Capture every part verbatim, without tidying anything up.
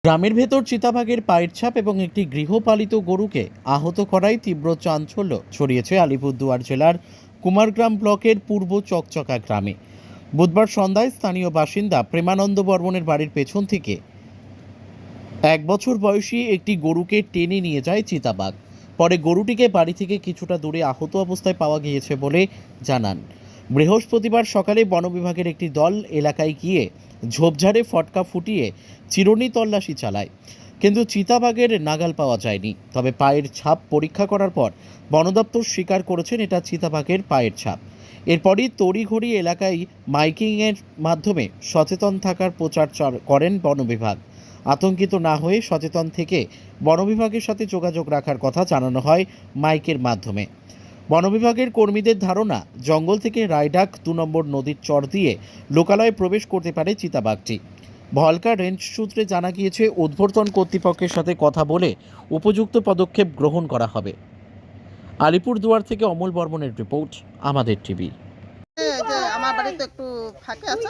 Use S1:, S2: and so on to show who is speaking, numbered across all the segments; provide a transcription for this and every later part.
S1: গ্রামের ভেতর চিতাবাঘের পায়ের ছাপ এবং একটি গৃহপালিত গরুকে আহত করায় তীব্র চাঞ্চল্য ছড়িয়েছে আলিপুরদুয়ার জেলার কুমারগ্রাম ব্লকের পূর্ব চকচকা গ্রামে। বুধবার সন্ধ্যায় স্থানীয় বাসিন্দা প্রেমানন্দ বর্মনের বাড়ির পেছন থেকে এক বছর বয়সী একটি গরুকে টেনে নিয়ে যায় চিতাবাঘ। পরে গরুটিকে বাড়ি থেকে কিছুটা দূরে আহত অবস্থায় পাওয়া গিয়েছে বলে জানান। বৃহস্পতিবার সকালে বন বিভাগের একটি দল এলাকায় গিয়ে ঝোপঝাড়ে ফটকা ফুটিয়ে চিরুনি তল্লাশি চালায়, কিন্তু চিতাবাঘের নাগাল পাওয়া যায়নি। তবে পায়ের ছাপ পরীক্ষা করার পর বন দপ্তর স্বীকার করেছেন এটা চিতাবাঘের পায়ের ছাপ। এরপরই তড়িঘড়ি এলাকায় মাইকিংয়ের মাধ্যমে সচেতন থাকার প্রচার করেন বন বিভাগ। আতঙ্কিত না হয়ে সচেতন থেকে বন বিভাগের সাথে যোগাযোগ রাখার কথা জানানো হয় মাইকের মাধ্যমে। বন বিভাগের কর্মীদের ধারণা, জঙ্গল থেকে রায়ডাক দু নম্বর নদীর চর দিয়ে লোকালয়ে প্রবেশ করতে পারে চিতাবাঘটি। ভলকা রেঞ্জ সূত্রে জানা গিয়েছে, উদ্বর্তন কর্তৃপক্ষের সাথে কথা বলে উপযুক্ত পদক্ষেপ গ্রহণ করা হবে। আলিপুরদুয়ার থেকে অমল বর্মনের রিপোর্ট, আমাদের টিভি।
S2: আমার বাড়িতে একটু ফাঁকে আছে,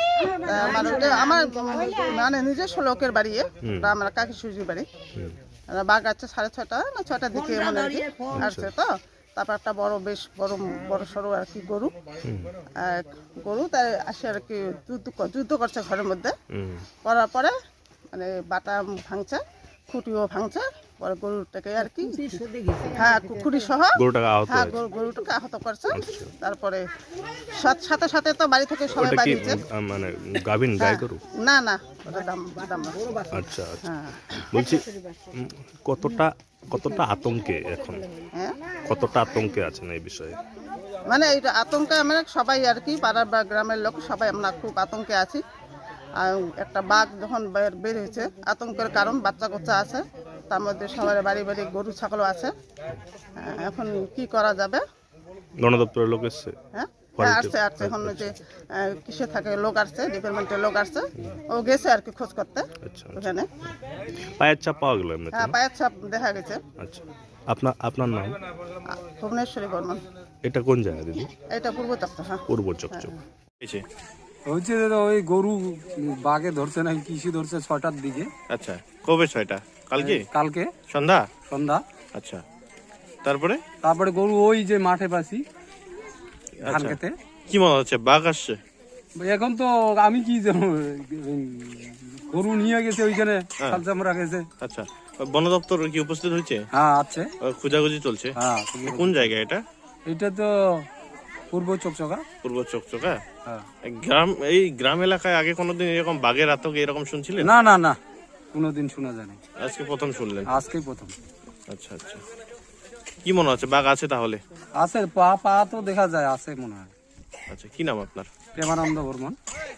S2: আমার মানে নিজস্ব লোকের বাড়ি, আমার কাকি সুজির বাড়ি। বাঘ আছে সাড়ে ছটা না ছটার দিকে এমন আর কি আসছে। তো তারপর একটা বড় বেশ বড় বড় সড়ো আর কি গরু গরু তাই আসে আর কি যুদ্ধ যুদ্ধ করছে ঘরের মধ্যে। করার পরে মানে বাটা ভাঙছে, খুঁটিও ভাঙছে, পরে গরুটাকে আর কি হ্যাঁ খুঁটি সহ হ্যাঁ গরুটাকে আহত করছে। তারপরে সাথে সাথে তো বাড়ি থেকে সবাই বাড়িয়েছে।
S3: মানে গাভিন গাই গরু
S2: না না ওটা দাম দাম না।
S3: আচ্ছা আচ্ছা, বলছি কতটা কতটা আতঙ্কে এখন,
S2: হ্যাঁ
S3: কতটা আতঙ্কে আছেন এই বিষয়ে?
S2: মানে এই আতঙ্কে আমরা সবাই আর কি পাড়ার বা গ্রামের লোক সবাই আমরা খুব আতঙ্কে আছি। আর একটা বাঘ যখন বের হয়েছে, আতঙ্কের কারণ বাচ্চা কাচ্চা আছে, তার মধ্যে সবার বাড়ি বাড়ি গরু ছাগলও আছে। এখন কি করা যাবে?
S3: বন দপ্তরের লোক এসছে?
S2: হ্যাঁ আসছে আসছে এখন যে কিসে থাকে লোক আসছে, ডিপার্টমেন্টের লোক আসছে, ও গেছে আর কি খোঁজ করতে ওখানে।
S3: পায়ের ছাপ পাওয়া গেল?
S2: হ্যাঁ পায়ের ছাপ দেখা গেছে।
S3: আচ্ছা, আপনার আপনার নাম?
S2: ভুবনেশ্বরী বর্মন।
S3: এটা কোন জায়গা দিদি?
S2: এটা পূর্ব চকচক। হ্যাঁ
S3: পূর্ব চকচক।
S4: হচ্ছে দাদা ওই গরু বাঘে ধরছে না কিসে ধরছে ছটার দিকে।
S5: আচ্ছা, কবে ছয়টা? কালকে?
S4: কালকে
S5: সন্ধ্যা
S4: সন্ধ্যা।
S5: আচ্ছা, তারপরে
S4: তারপরে গরু ওই যে মাঠে পাশি ধান খেতে।
S5: কি মনে হচ্ছে বাঘ আসছে?
S4: এখন তো আমি কি জানো, গরু নিয়ে গেছে ওইখানে খালচামরা গেছে।
S5: আচ্ছা, বন দপ্তর কি উপস্থিত হয়েছে?
S4: হ্যাঁ আছে,
S5: খোঁজাখুঁজি চলছে।
S4: হ্যাঁ
S5: কোন জায়গা এটা?
S4: এটা তো পূর্ব চকচকা।
S5: পূর্ব চকচকা।
S4: হ্যাঁ।
S5: গ্রাম, এই গ্রাম এলাকায় আগে কোনোদিন এরকম বাঘের আতঙ্ক এরকম শুনছিলেন?
S4: না না না, কোনোদিন শোনা যায়নি,
S5: আজকে প্রথম শুনলেন?
S4: আজকেই প্রথম।
S5: আচ্ছা আচ্ছা, কি মনে হচ্ছে বাঘ আছে তাহলে?
S4: আছে, পা পা তো দেখা যায় আছে মনে হয়।
S5: আচ্ছা, কি নাম আপনার?
S4: প্রেমানন্দ বর্মন।